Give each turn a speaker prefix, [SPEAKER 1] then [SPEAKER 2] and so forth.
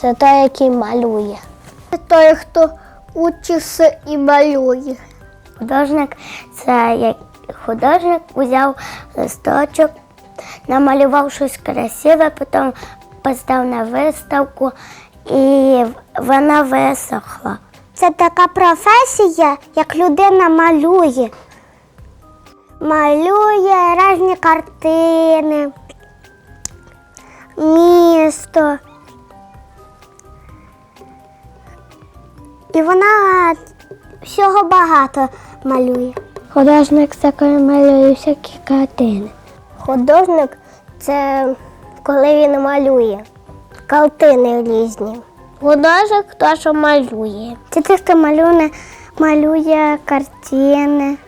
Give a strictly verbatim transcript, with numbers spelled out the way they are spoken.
[SPEAKER 1] Це той, який малює. Це той, хто учиться і малює. Художник це як художник взяв листочок, намалював щось красиве, потім постав на виставку і вона висохла. Це така професія, як людина малює. Малює різні картини, місто. І вона всього багато малює. Художник це коли малює всякі картини. Художник це коли він малює картини різні. Художник – хто що малює. Це той, хто малює, малює картини.